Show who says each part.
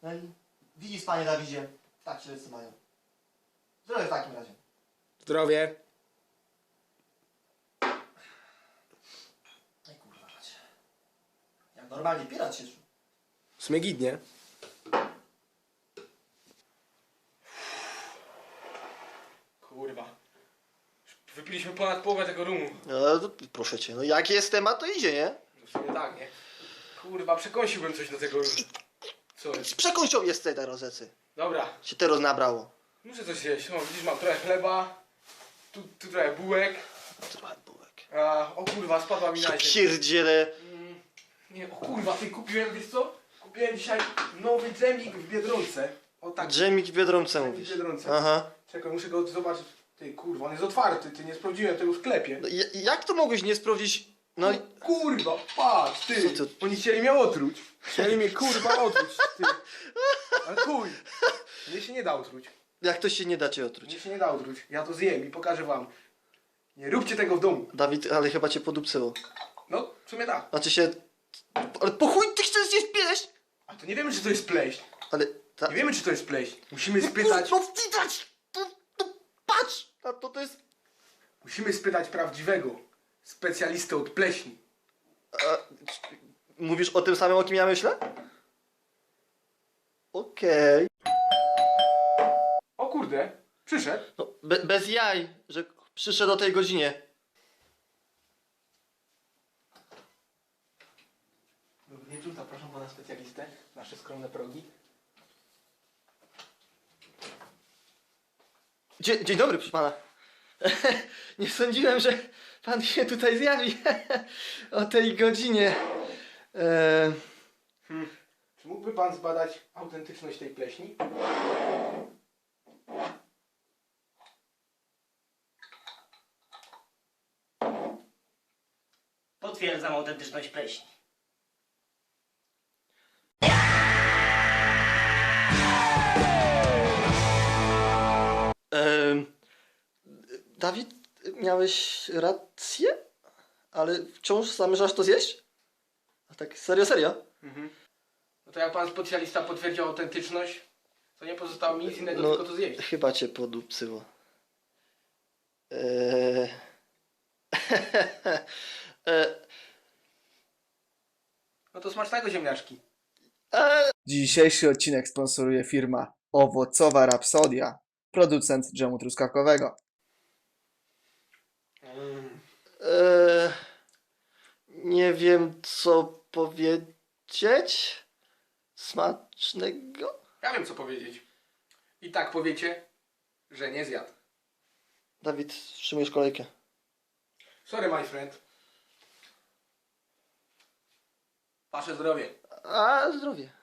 Speaker 1: No i widzisz, panie Dawidzie, tak się wszyscy mają. Zdrowie w takim razie.
Speaker 2: Zdrowie.
Speaker 1: Ej kurwa macie. Jak normalnie pirat się czuł.
Speaker 2: Smygidnie. Kurwa. Wypiliśmy ponad połowę tego rumu.
Speaker 1: No to proszę cię, no jak jest temat, to idzie, nie?
Speaker 2: No w sumie tak, nie? Kurwa, przekąsiłbym coś do tego rumu. Co jest?
Speaker 1: Przekąsią jest tej rozecy.
Speaker 2: Dobra,
Speaker 1: Się teraz nabrało.
Speaker 2: muszę coś jeść. No, widzisz, mam trochę chleba. Tu trochę bułek.
Speaker 1: Trochę bułek.
Speaker 2: A, o kurwa, spadła mi na ziemię.
Speaker 1: Pierdziele.
Speaker 2: Nie, o kurwa, ty kupiłem, wiesz co? Kupiłem dzisiaj nowy dżemik w Biedronce. O tak,
Speaker 1: Dżemik w Biedronce
Speaker 2: dżemik w
Speaker 1: mówisz.
Speaker 2: Biedronce.
Speaker 1: Aha.
Speaker 2: Czekaj, muszę go zobaczyć. Ty kurwa, on jest otwarty, ty nie sprawdziłem tego w sklepie.
Speaker 1: No, jak to mogłeś nie sprawdzić? No i...
Speaker 2: Kurwa, patrz, ty!
Speaker 1: Co ty?
Speaker 2: Oni chcieli mnie otruć. Chcieli mnie kurwa otruć, ty. Ale chuj. Mnie się nie da otruć.
Speaker 1: Jak to się nie da cię otruć?
Speaker 2: Mnie się nie da otruć. Ja to zjem i pokażę wam. Nie róbcie tego w domu.
Speaker 1: Dawid, ale chyba cię podupcyło.
Speaker 2: No, w sumie tak.
Speaker 1: Znaczy się... Ale po chuj ty chcesz zjeść pleść?
Speaker 2: A to nie wiemy, czy to jest pleśń.
Speaker 1: Ale...
Speaker 2: Nie wiemy, czy to jest pleśń. Musimy spytać...
Speaker 1: No widać! Patrz! A to jest...
Speaker 2: Musimy spytać prawdziwego specjalistę od pleśni.
Speaker 1: A, mówisz o tym samym, o kim ja myślę? Okej.
Speaker 2: O kurde, przyszedł.
Speaker 1: No, bez jaj, że przyszedł o tej godzinie.
Speaker 2: Dobry wieczór, zapraszam pana specjalistę. Nasze skromne progi.
Speaker 1: Dzień dobry, proszę pana. Nie sądziłem, że pan się tutaj zjawi o tej godzinie.
Speaker 2: Czy mógłby pan zbadać autentyczność tej pleśni?
Speaker 3: Potwierdzam autentyczność pleśni.
Speaker 1: Dawid, miałeś rację? Ale wciąż zamierzasz to zjeść? A tak serio?
Speaker 2: No to jak pan specjalista potwierdził autentyczność, to nie pozostało mi nic innego, tylko to zjeść.
Speaker 1: Chyba cię podupcyło.
Speaker 2: No to smacznego, ziemniaczki.
Speaker 4: Dzisiejszy odcinek sponsoruje firma Owocowa Rapsodia, producent dżemu truskawkowego.
Speaker 1: Nie wiem, co powiedzieć. Smacznego?
Speaker 2: Ja wiem, co powiedzieć. I tak powiecie, że nie zjadł.
Speaker 1: Dawid, wstrzymujesz kolejkę.
Speaker 2: Sorry, my friend. Wasze zdrowie.
Speaker 1: A zdrowie.